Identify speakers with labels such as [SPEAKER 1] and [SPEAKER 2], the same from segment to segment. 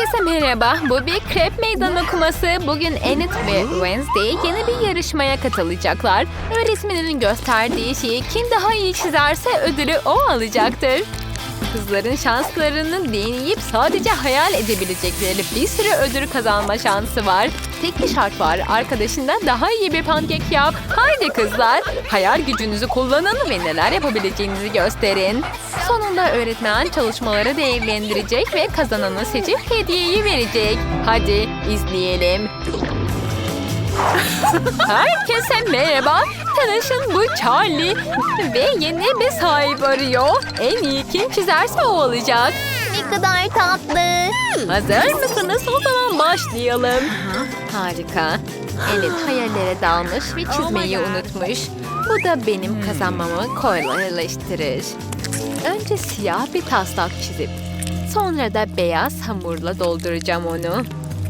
[SPEAKER 1] Herkese merhaba. Bu bir krep meydan okuması. Bugün Enid ve Wednesday yeni bir yarışmaya katılacaklar. Öğretmeninin gösterdiği şeyi kim daha iyi çizerse ödülü o alacaktır. Kızların şanslarını deneyip sadece hayal edebilecekleri bir sürü ödül kazanma şansı var. Tek bir şart var. Arkadaşından daha iyi bir pankek yap. Haydi kızlar. Hayal gücünüzü kullanın ve neler yapabileceğinizi gösterin. Sonunda öğretmen çalışmaları değerlendirecek ve kazananı seçip hediyeyi verecek. Hadi izleyelim. Herkese merhaba. Tanışın, bu Charlie ve yeni bir sahip arıyor. En iyi kim çizerse o olacak.
[SPEAKER 2] Ne kadar tatlı.
[SPEAKER 1] Hazır mısınız? O zaman başlayalım. Harika. Enid hayallere dalmış ve çizmeyi unutmuş. Bu da benim kazanmamı kolaylaştırır. Önce siyah bir taslak çizip sonra da beyaz hamurla dolduracağım onu.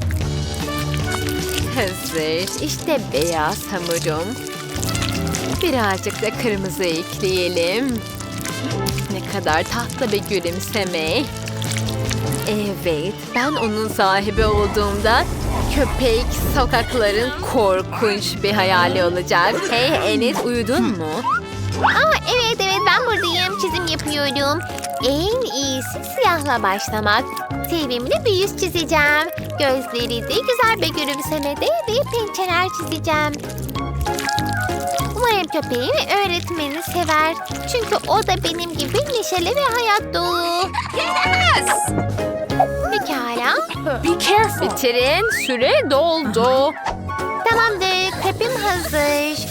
[SPEAKER 1] Hazır. İşte beyaz hamurum. Birazcık da kırmızı ekleyelim. Ne kadar tatlı bir gülümseme. Evet, ben onun sahibi olduğumda köpek sokakların korkunç bir hayali olacak. Hey Enid, uyudun mu?
[SPEAKER 2] Evet ben buradayım. Çizim yapıyorum. En iyisi siyahla başlamak. Sevimli bir yüz çizeceğim. Gözleri de güzel bir gülümsemede ve pençeler çizeceğim. Umarım köpeğim öğretmeni sever. Çünkü o da benim gibi neşeli ve hayat dolu. Pekala.
[SPEAKER 1] Bitirin, süre doldu.
[SPEAKER 2] Tamamdır. Krepim hazır.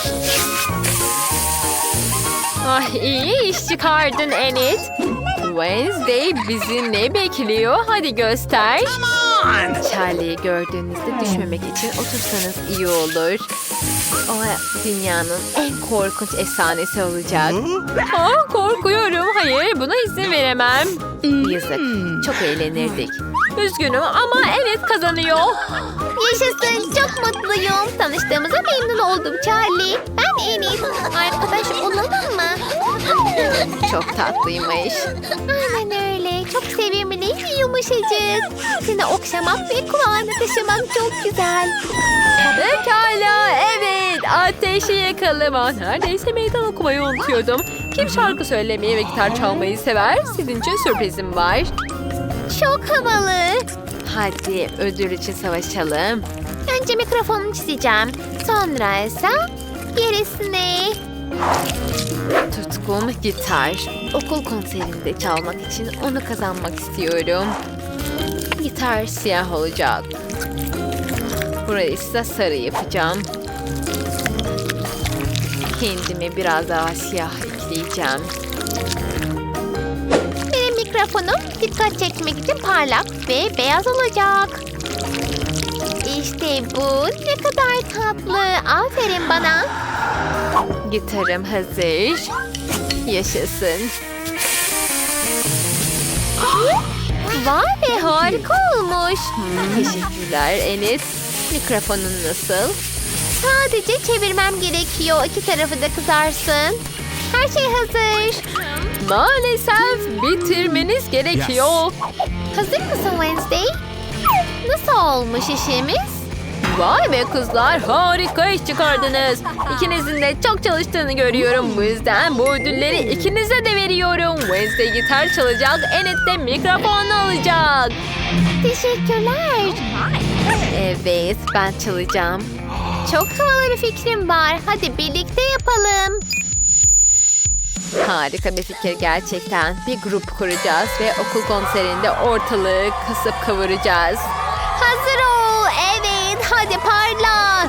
[SPEAKER 1] Ah, iyi iş çıkardın Enid. Wednesday bizi ne bekliyor? Hadi göster. Charlie'yi gördüğünüzde düşmemek için otursanız iyi olur. O dünyanın en korkunç efsanesi olacak. Korkuyorum. Hayır, buna izin veremem. Yazık. Çok eğlenirdik. Üzgünüm ama evet kazanıyor.
[SPEAKER 2] Yaşasın. Çok mutluyum. Tanıştığımıza memnun oldum Charlie. Ben Enid. Arkadaş olalım mı?
[SPEAKER 1] Çok tatlıymış.
[SPEAKER 2] Aynen öyle. Çok sevimli ve yumuşacık. Seni okşamak ve kulağına taşımak çok güzel.
[SPEAKER 1] Pekala, evet. Ateşi yakalım. Neredeyse meydan okumayı unutuyordum. Kim şarkı söylemeyi ve gitar çalmayı sever? Sizin için sürprizim var.
[SPEAKER 2] Çok havalı.
[SPEAKER 1] Hadi ödül için savaşalım.
[SPEAKER 2] Önce mikrofonunu çizeceğim. Sonra ise gerisini.
[SPEAKER 1] Tutkum gitar. Okul konserinde çalmak için onu kazanmak istiyorum. Gitar siyah olacak. Burayı ise sarı yapacağım. Kendime biraz daha siyah ekleyeceğim.
[SPEAKER 2] Benim mikrofonum dikkat çekmek için parlak ve beyaz olacak. İşte bu. Ne kadar tatlı. Aferin bana.
[SPEAKER 1] Gitarım hazır. Yaşasın.
[SPEAKER 2] Vay be, harika olmuş.
[SPEAKER 1] Teşekkürler Enes. Mikrofonun nasıl?
[SPEAKER 2] Sadece çevirmem gerekiyor. İki tarafı da kızarsın. Her şey hazır.
[SPEAKER 1] Maalesef bitirmeniz gerekiyor.
[SPEAKER 2] Hazır mısın Wednesday? Nasıl olmuş işimiz?
[SPEAKER 1] Vay be kızlar, harika iş çıkardınız. İkinizin de çok çalıştığını görüyorum. Bu yüzden bu ödülleri ikinize de veriyorum. Wednesday gitar çalacak, Enid de mikrofonu alacak.
[SPEAKER 2] Teşekkürler.
[SPEAKER 1] Evet, ben çalacağım.
[SPEAKER 2] Çok havalı bir fikrim var. Hadi birlikte yapalım.
[SPEAKER 1] Harika bir fikir gerçekten. Bir grup kuracağız ve okul konserinde ortalığı kasıp kavuracağız.
[SPEAKER 2] Hazır ol. Evet, hadi parla.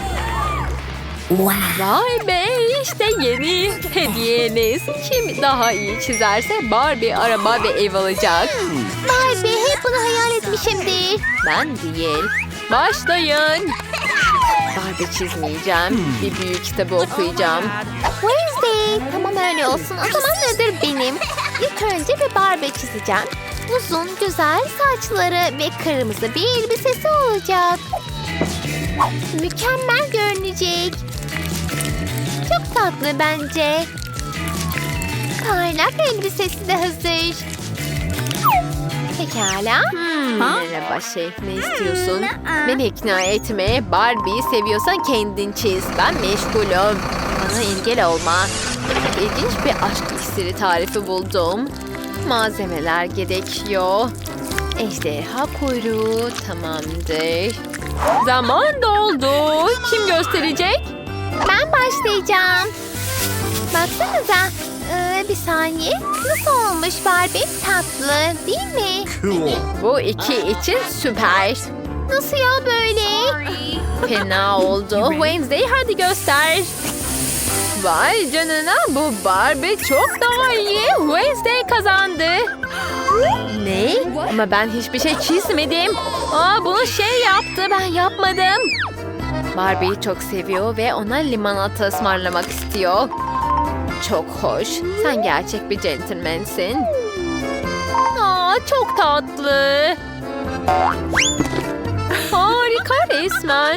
[SPEAKER 1] Vay be, işte yeni hediyeniz. Kim daha iyi çizerse Barbie araba ve ev alacak.
[SPEAKER 2] Vay be, hep bunu hayal etmişimdir.
[SPEAKER 1] Ben değil. Başlayın. Barbie çizmeyeceğim. Bir büyük kitabı okuyacağım.
[SPEAKER 2] Wednesday, tamam öyle olsun. O zaman ödül benim. İlk önce bir Barbie çizeceğim. Uzun, güzel saçları ve kırmızı bir elbisesi olacak. Mükemmel görünecek. Çok tatlı bence. Parlak elbisesi de hazır. Pekala.
[SPEAKER 1] Merhaba Şef, ne istiyorsun? Beni ikna etme. Barbie'yi seviyorsan kendin çiz. Ben meşgulüm. Bana engel olma. İlginç bir aşk iksiri tarifi buldum. Malzemeler gerekiyor. Ejderha kuyruğu tamamdır. Zaman doldu. Kim gösterecek?
[SPEAKER 2] Ben başlayacağım. Baksanıza. Bir saniye. Nasıl olmuş Barbie? Tatlı değil mi?
[SPEAKER 1] Bu iki için süper.
[SPEAKER 2] Nasıl ya böyle?
[SPEAKER 1] Fena oldu. Wednesday hadi göster. Vay canına, bu Barbie çok daha iyi. Wednesday kazandı. Ne? Ama ben hiçbir şey çizmedim. Bunu şey yaptı, ben yapmadım. Barbie'yi çok seviyor ve ona limonata ısmarlamak istiyor. Çok hoş. Sen gerçek bir centilmensin. Çok tatlı. Harika resmen.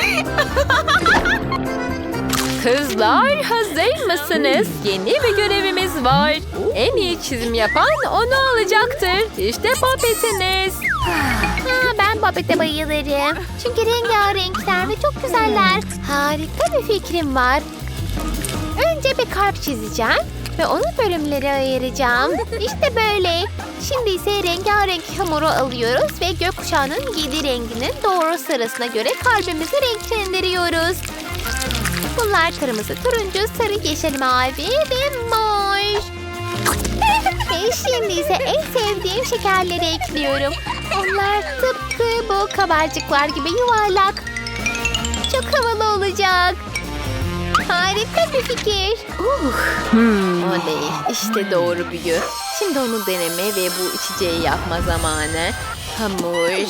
[SPEAKER 1] Kızlar hazır mısınız? Yeni bir görevimiz var. En iyi çizim yapan onu alacaktır. İşte popetiniz.
[SPEAKER 2] Ben Babette bayılırım. Çünkü rengarenkler ve çok güzeller. Harika bir fikrim var. Önce bir kalp çizeceğim ve onu bölümlere ayıracağım. İşte böyle. Şimdi ise rengarenk hamuru alıyoruz ve gökkuşağının 7 renginin doğru sırasına göre kalbimizi renklendiriyoruz. Bunlar kırmızı, turuncu, sarı, yeşil, mavi ve mor. Ve şimdi ise en sevdiğim şekerleri ekliyorum. Onlar tıpkı bu kabarcıklar gibi yuvarlak. Çok havalı olacak. Harika bir fikir.
[SPEAKER 1] Oley, işte doğru büyü. Şimdi onu deneme ve bu içeceği yapma zamanı. Hamur.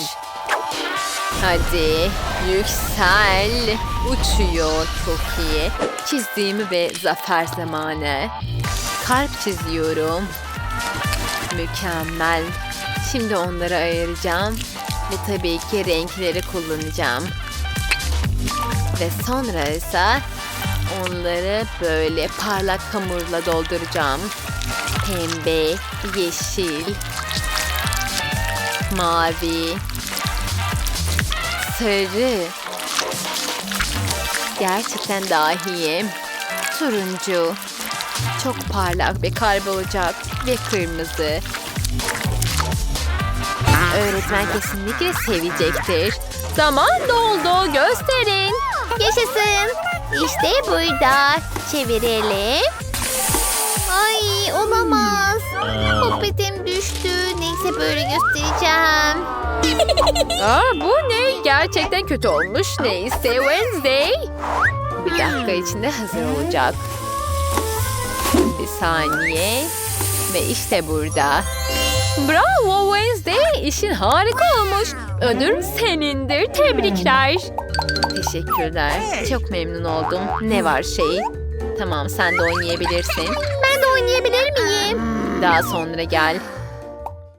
[SPEAKER 1] Hadi yüksel. Uçuyor, çok iyi. Çizdiğimi ve zafer zamanı. Kalp çiziyorum. Mükemmel. Şimdi onları ayıracağım. Ve tabii ki renkleri kullanacağım. Ve sonra ise onları böyle parlak hamurla dolduracağım. Pembe, yeşil, mavi, sarı. Gerçekten dahiyim. Turuncu. Çok parlak bir kalp olacak. Ve kırmızı. Öğretmen kesinlikle sevecektir. Zaman doldu. Gösterin.
[SPEAKER 2] Yaşasın. İşte burada. Çevirelim. Ay olamaz. Popetim düştü. Neyse böyle göstereceğim.
[SPEAKER 1] Bu ne? Gerçekten kötü olmuş. Neyse Wednesday. Bir dakika içinde hazır olacak. Bir saniye. Ve işte burada. Bravo Wednesday. İşin harika olmuş. Ödül senindir. Tebrikler. Teşekkürler. Çok memnun oldum. Ne var şey? Tamam, sen de oynayabilirsin.
[SPEAKER 2] Ben de oynayabilir miyim?
[SPEAKER 1] Daha sonra gel.